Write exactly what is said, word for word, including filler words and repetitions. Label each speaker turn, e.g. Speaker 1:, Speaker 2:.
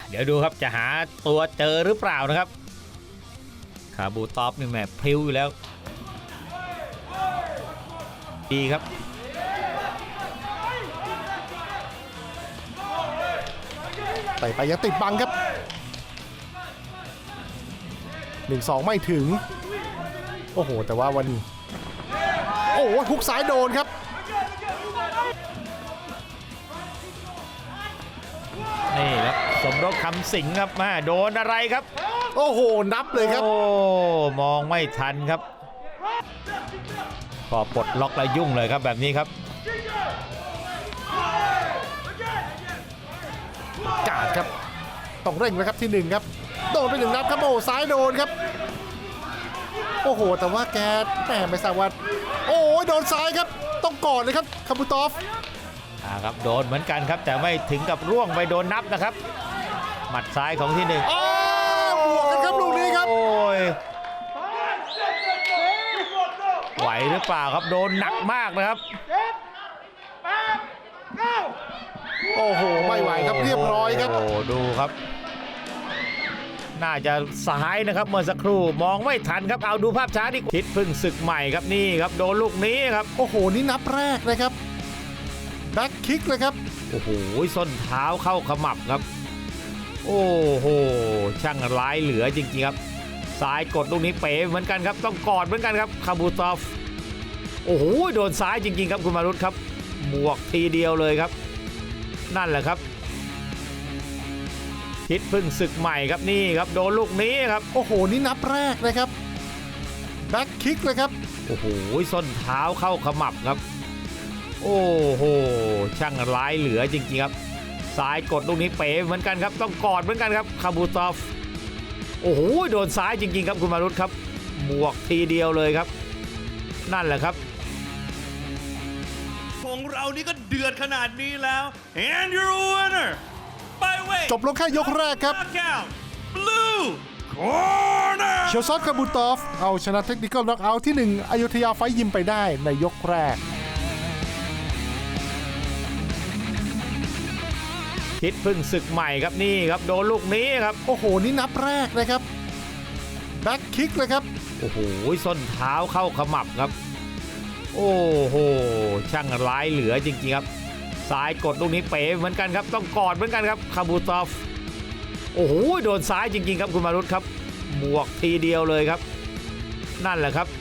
Speaker 1: เดี๋ยวดูครับจะหาตัวเจอหรือเปล่านะครับคาบูตอฟนี่แม่พริ้วอยู่แล้วดีครับ
Speaker 2: ไปไปยังติดบังครับหนึ่งสองไม่ถึงโอ้โหแต่ว่าวันนี้โอ้โหฮุกซ้ายโดนครับ
Speaker 1: นี่ครับสมรบคำสิงครับมาโดนอะไรครับ
Speaker 2: โอ้โหนับเลยครับ
Speaker 1: โอ้มองไม่ทันครับพอปลดล็อกแล้วยุ่งเลยครับแบบนี้ครับ
Speaker 2: กาดครับต้องเร่งนะครับที่หนึ่งครับโดนไปหนึ่งนัดครับโอ้ซ้ายโดนครับโอ้โหแต่ว่าแกแหมไม่ทราบว่าโอ้โดนซ้ายครับต้องกอดเลยครับคาบูตอฟ
Speaker 1: อ่าครับโดนเหมือนกันครับแต่ไม่ถึงกับร่วงไปโดนนับนะครับหมัดซ้ายของที่หนึ่ง
Speaker 2: อ้าวบวกกันครับลูกนี้ครับ
Speaker 1: โอ้ยไหวหรือเปล่าครับโดนหนักมากนะครับ
Speaker 2: โอ้โหไม่ไหวครับเรียบร้อยครับ
Speaker 1: โอ้ดูครับน่าจะซ้ายนะครับเมื่อสักครู่มองไม่ทันครับเอาดูภาพช้าดิคิดพึ่งศึกใหม่ครับนี่ครับโดนลูกนี้ครับ
Speaker 2: โอ้โหนี่นับแรกนะครับแบ็คคิกเลยครับ
Speaker 1: โอ้โหส้นเท้าเข้าขมับครับโอ้โหช่างร้ายเหลือจริงๆครับซ้ายกดลูกนี้เป๋เหมือนกันครับต้องกอดเหมือนกันครับคาบูตอฟโอ้โหโดนซ้ายจริงๆครับคุณมารุตครับบวกทีเดียวเลยครับนั่นแหละครับคิดพึ่งศึกใหม่ครับนี่ครับโดนลูกนี้ครับ
Speaker 2: โอ้โหนี่นับแรกนะครับแบ็คคิกเลยครับ
Speaker 1: โอ้โหส้นเท้าเข้าขมับครับโอ้โหช่างร้ายเหลือจริงๆครับซ้ายกดลูกนี้เป๋เหมือนกันครับต้องกอดเหมือนกันครับคาบูตอฟโอ้โหโดนซ้ายจริงๆครับคุณมารุตครับบวกทีเดียวเลยครับนั่นแหละครับ
Speaker 3: ของเรานี่ก็เดือดขนาดนี้แล้ว and your winner by way
Speaker 2: จบลงแค่ยกแรกครับ
Speaker 3: blue corner
Speaker 2: เชลซอตคาบูตอฟเอาชนะเทคนิคอลน็อกเอาท์ที่หนึ่งอยุธยาไฟยิมไปได้ในยกแรก
Speaker 1: คิดพึ่งศึกใหม่ครับนี่ครับโดนลูกนี้ครับ
Speaker 2: โอ้โหนี่นับแรกนะครับแบ็คคิกเลยครับ
Speaker 1: โอ้โหส้นเท้าเข้าขมับครับโอ้โหช่างร้ายเหลือจริงๆครับซ้ายกดลูกนี้เป๋เหมือนกันครับต้องกอดเหมือนกันครับคาบูตอฟโอ้โหโดนซ้ายจริงๆครับคุณมารุตครับบวกทีเดียวเลยครับนั่นแหละครับ